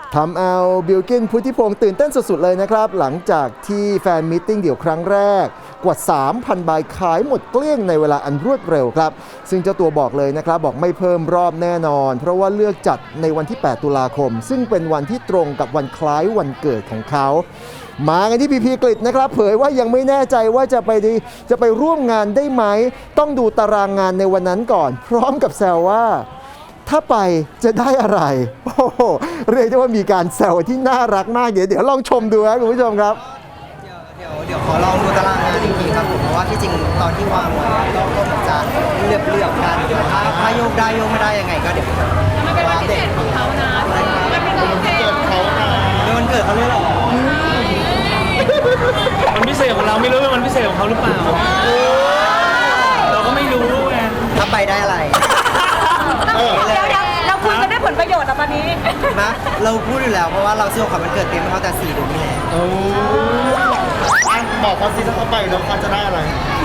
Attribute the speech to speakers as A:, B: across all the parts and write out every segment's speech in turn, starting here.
A: ทำเอาบิลกินพุทธิพงศ์ตื่นเต้นสุดๆเลยนะครับหลังจากที่แฟนมีตติ้งเดี่ยวครั้งแรกกว่า 3,000 ใบขายหมดเกลี้ยงในเวลาอันรวดเร็วครับซึ่งเจ้าตัวบอกเลยนะครับบอกไม่เพิ่มรอบแน่นอนเพราะว่าเลือกจัดในวันที่ 8 ตุลาคมซึ่งเป็นวันที่ตรงกับวันคล้ายวันเกิดของเขามากันที่พีพีกฤษนะครับเผยว่ายังไม่แน่ใจว่าจะไปร่วมงานได้ไหมต้องดูตารางงานในวันนั้นก่อนพร้อมกับแซวว่าถ้าไปจะได้อะไรโอ้โหเรียกได้ว่ามีการแซวที่น่ารักมากเดี๋ยวลองชมดูครับคุณผู้ชมครับ
B: เดี๋ยวขอลองดูตารางงานอีกทีครับผมเพราะว่าที่จริงตอนที่วางไว้ก็เหมือนจะเลือกกันถ้าโยกได้โยกไม่ได้ยังไงก็เดี๋ยว
C: มันเป็นวันพิเศษของเขานะมันเป็นวันพิเศษของเขานะ
B: เป็นวันเกิดเขาเลยหรอ
D: มันพิเศษของเราไม่รู้เป็นมันพิเศษของเขาหรือเปล่าเราก็ไม่รู้ไง
B: ถ้าไปได้อะไร
C: เดี๋ยวเราคุยกันได้ผลประโยชน์ตอนนี้
B: นะเราพูดอยู่แล้วเพราะว่าเราซื้อของขวัญวันเกิดเต็มเขาแต่4 เดือนนี่แหละ
A: บอกเขาสิถ้าเขาไปแล้วเขาจะได้อะไร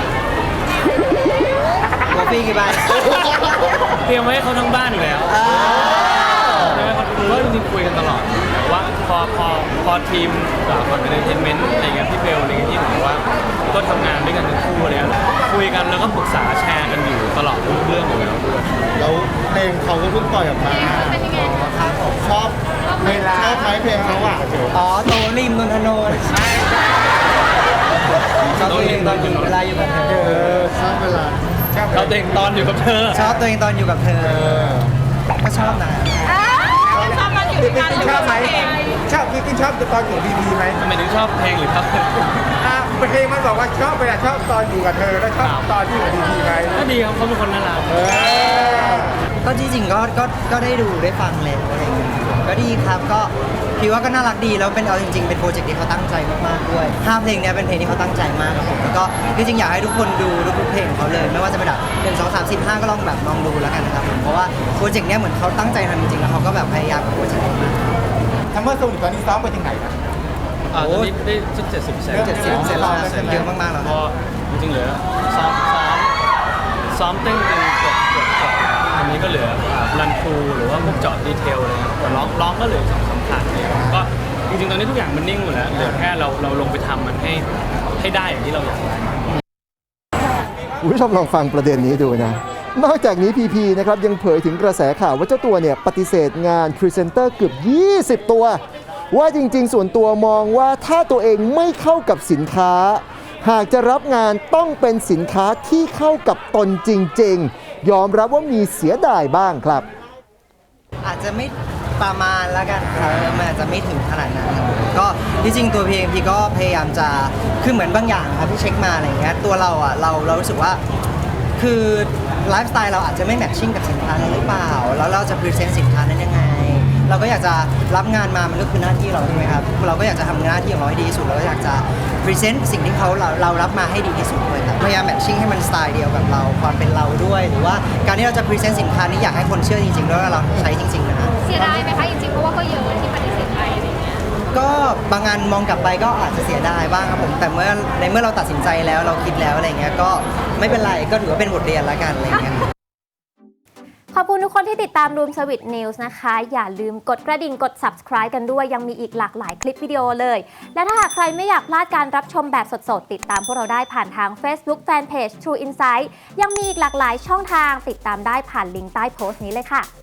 B: กาแฟกี่ใบ
D: เตรียมไว้ให้เขาทั้งบ้านอยู่แล้วใช่ไหมครับคือว่าจริงๆคุยกันตลอดว่าพอทีมฝั่งเอนเตอร์เทนเมนต์อะไรเงี้ยพี่เบลอะไรเงี้ยที่เหมือนว่าก็ทำงานด้วยกันทั้งคู่เลยคุยกันแล้วก็ปรึกษาแชร์กันอยู่ตลอดทุกเรื่องอยู่
A: แล้วเพลงเขาก็เพิ่งปล่อยออกมาชอบเวลาชอบไหมเพลงเขาอ่ะ
B: อ๋อโตริมนนทนนท์ชอบตัวเองตอนอยู่เวลาอยู่กับเธอ
A: ชอบเวลา
D: ชอบตัวเองตอนอยู่กับเธอ
B: ชอบตัวเองตอนอยู่กับเธอก็ชอบนะ
C: ชอบมันอยู่ในการชอบไหม
E: ชอบพี่ชอบตอนอยู่พีพีไหม
D: ทำไมถึงชอบเพลงหรือครับ
E: เพลงมันบอกว่าชอบเวลาชอบตอนอยู่กับเธอแล้วชอบตอนที่อยู่พีพีไหม
D: ก็ดีครับเขาเป็นคนน่ารัก
B: ก็จริงๆก็ได้ดูได้ฟังเลยอะไรอย่างเงี้ยก็ดีครับก็พี่ว่าก็น่ารักดีแล้วเป็นเอาจริงๆเป็นโปรเจกต์ที่เขาตั้งใจมากๆด้วย5 เพลงนี้เป็นเพลงที่เขาตั้งใจมากครับผมแล้วก็จริงๆอยากให้ทุกคนดูทุกเพลงของเขาเลยไม่ว่าจะเป็นแบบ1 2 3 4 5ก็ลองดูแล้วกันนะครับผมเพราะว่าโปรเจกต์นี้เหมือนเขาตั้งใจทำจริงๆแล้วเขาก็แบบพยายามกับโปรเจกต์นี้มาก
E: ทำเมื่อส่งตอนนี้ซ้อมไปถึงไหนนะ
D: ตอนนี้ได้70%
B: แล้วเยอะมากๆแล้ว
D: พอจริงๆเหลือซ้อมเต้นกันเกือบอันนี้ก็เหลือรันทรูหรือว่าพวกเจาะดีเทลอะไรแต่ร้องก็เหลือสำคัญก็จริงๆตอนนี้ทุกอย่างมันนิ่งหมดแล้วเหลือแค่เราลงไปทำมันให้ได้อย่างที่เราอยากได้
A: คุณผู้ชมลองฟังประเด็นนี้ดูนะนอกจากนี้พีพีนะครับยังเผยถึงกระแสข่าวว่าเจ้าตัวเนี่ยปฏิเสธงานพรีเซนเตอร์เกือบ20 ตัวว่าจริงๆส่วนตัวมองว่าถ้าตัวเองไม่เข้ากับสินค้าหากจะรับงานต้องเป็นสินค้าที่เข้ากับตนจริงๆยอมรับว่ามีเสียดายบ้างครับ
B: อาจจะไม่ประมาณแล้วกันครับมันอาจจะไม่ถึงขนาดนั้นก็ที่จริงตัวพี่ก็พยายามจะคือเหมือนบางอย่างครับที่เช็คมาอะไรเงี้ยตัวเราอ่ะเรารู้สึกว่าคือไลฟ์สไตล์เราอาจจะไม่แมทชิ่งกับสินค้านั้นหรือเปล่าแล้วเราจะพรีเซนต์สินค้านั้นยังไงเราก็อยากจะรับงานมามันก็คือหน้าที่เราใช่ไหมครับเราก็อยากจะทำหน้าที่ของเราให้ดีที่สุดเราก็อยากจะพรีเซนต์สิ่งที่เรารับมาให้ดีที่สุดด้วยครับพยายามแมทชิ่งให้มันสไตล์เดียวกับเราความเป็นเราด้วยหรือว่าการที่เราจะพรีเซนต์สินค้านี้อยากให้คนเชื่อจริงๆแล้วเราใช้จริงๆนะ
C: เสียดายไหมคะจริงๆเพราะว่าก็เยอะที่ปฏิเสธไปอะไรเงี้ย
B: ก็บางงานมองกลับไปก็อาจจะเสียดายบ้างครับผมแต่เมื่อเราตัดสินใจแล้วเราคิดแล้วอะไรเงี้ยก็ไม่เป็นไรก็ถือว่าเป็นบทเรียนละกันอะไรเงี้ย
F: ขอบคุณทุกคนที่ติดตาม Room Service News นะคะอย่าลืมกดกระดิ่งกด Subscribe กันด้วยยังมีอีกหลากหลายคลิปวิดีโอเลยและถ้าหากใครไม่อยากพลาดการรับชมแบบสดๆติดตามพวกเราได้ผ่านทาง Facebook Fanpage True Insight ยังมีอีกหลากหลายช่องทางติดตามได้ผ่านลิงก์ใต้โพสต์นี้เลยค่ะ